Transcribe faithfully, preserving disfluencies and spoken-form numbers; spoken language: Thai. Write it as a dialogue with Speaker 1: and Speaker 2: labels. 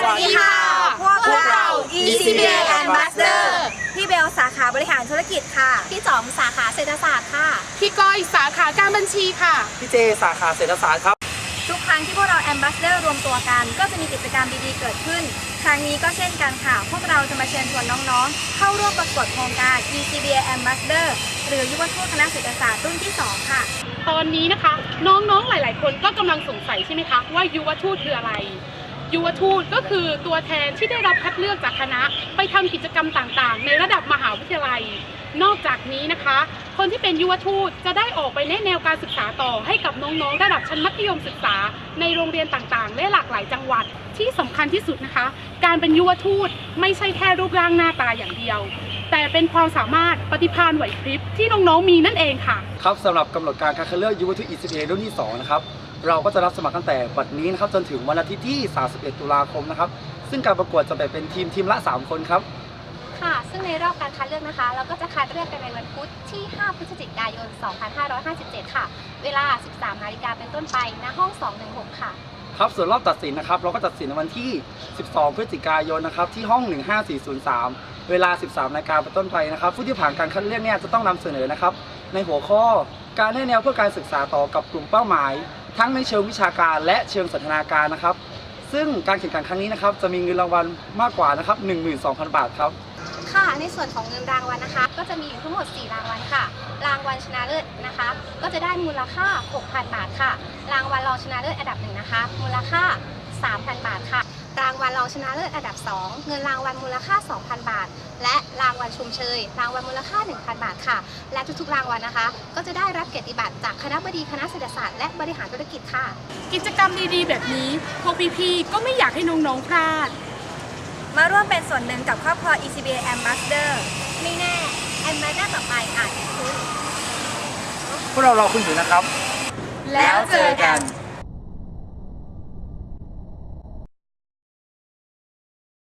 Speaker 1: วัสดีค่ะพวกเรา อี ซี บี เอ Ambassador
Speaker 2: พี่เบลสาขาบริหารธุรกิจค่ะพี่จอมสาขาเศรษฐศาสตร์ค่ะ
Speaker 3: พี่ก้อยสาขาการบัญชีค่ะ
Speaker 1: พี่เจสาขาเศรษฐศาสตร์ครับ
Speaker 2: ทุกครั้งที่พวกเรา Ambassador รวมตัวกันก็จะมีกิจกรรมดีๆเกิดขึ้นครั้งนี้ก็เช่นกันค่ะพวกเราจะมาเชิญชวนน้องๆเข้าร่วมประกวดโครงการ อี ซี บี เอ Ambassador หรือยุวทูตคณะเศรษฐศาสตร์รุ่นที่สองค่ะ
Speaker 3: ตอนนี้นะคะน้องๆหลายๆคนก็กำลังสงสัยใช่ไหมคะว่ายุวทูตคืออะไรยุวทูตก็คือตัวแทนที่ได้รับคัดเลือกจากคณะไปทำกิจกรรมต่างๆในระดับมหาวิทยาลัยนอกจากนี้นะคะคนที่เป็นยุวทูตจะได้ออกไปแนะแนวการศึกษาต่อให้กับน้องๆระดับชั้นมัธยมศึกษาในโรงเรียนต่างๆและหลากหลายจังหวัดที่สำคัญที่สุดนะคะการเป็นยุวทูตไม่ใช่แค่รูปร่างหน้าตาอย่างเดียวแต่เป็นความสามารถปฏิภาณไหวพริบที่น้องๆมีนั่นเองค่ะ
Speaker 1: ครับสำหรับกำหนดการการคัดเลือกยุวทูต อี ซี บี เอ รุ่นที่สองนะครับเราก็จะรับสมัครตั้งแต่บัดนี้นะครับจนถึงวันอาทิตย์ที่สามสิบเอ็ดตุลาคมนะครับซึ่งการประกวดจะแบ่งเป็นทีมทีมละสามคนครับ
Speaker 2: ค่ะซึ่งในรอบการคัดเลือกนะคะเราก็จะคัดเลือกกันในวันพุธที่ห้าพฤศจิกายนสองพันห้าร้อยห้าสิบเจ็ดค่ะเวลา สิบสามนาฬิกาเป็นต้นไปณห้องสองหนึ่งหกค่ะ
Speaker 1: ครับส่วนรอบตัดสินนะครับเราก็ตัดสินในวันที่สิบสองพฤศจิกายนนะครับที่ห้องหนึ่งห้าสี่ศูนย์สามเวลา สิบสามนาฬิกาเป็นต้นไปนะครับผู้ที่ผ่านการคัดเลือกเนี่ยจะต้องนำเสนอนะครับในหัวข้อการให้แนวเพื่อการศึกษาต่อกับกลุ่มเป้าหมายทั้งในเชิงวิชาการและเชิงสันทนาการนะครับซึ่งการแข่งขันครั้งนี้นะครับจะมีเงินรางวัลมากกว่านะครับ หนึ่งหมื่นสองพัน บาทครับ
Speaker 2: ค่ะในส่วนของเงินรางวัลนะคะก็จะมีอยู่ทั้งหมดสี่รางวัลค่ะรางวัลชนะเลิศนะคะก็จะได้มูลค่า หกพัน บาทค่ะรางวัลรองชนะเลิศอันดับหนึ่งนะคะมูลค่า สามพัน บาทค่ะรางวัลรองชนะเลิศอันดับสองเงินรางวัลมูลค่า สองพัน บาทและรางวัลชมเชยรางวัลมูลค่า หนึ่งพัน บาทค่ะและทุกๆรางวัลนะคะก็จะได้รับเกียรติบัตรจากคณบดีคณะเศรษฐศาสตร์และบริหารธุรกิจค่ะ
Speaker 3: กิจกรรมดีๆแบบนี้พวกพี่ๆก็ไม่อยากให้น้องๆพลาด
Speaker 2: มาร่วมเป็นส่วนหนึ่งกับครอบครัว อี ซี บี เอ Ambassador ไม่แน่ Ambassador ต่อไปอาจเป็นคุณ
Speaker 1: พวกเรารอคุณอยู่นะครับ
Speaker 2: แล้วเจอกัน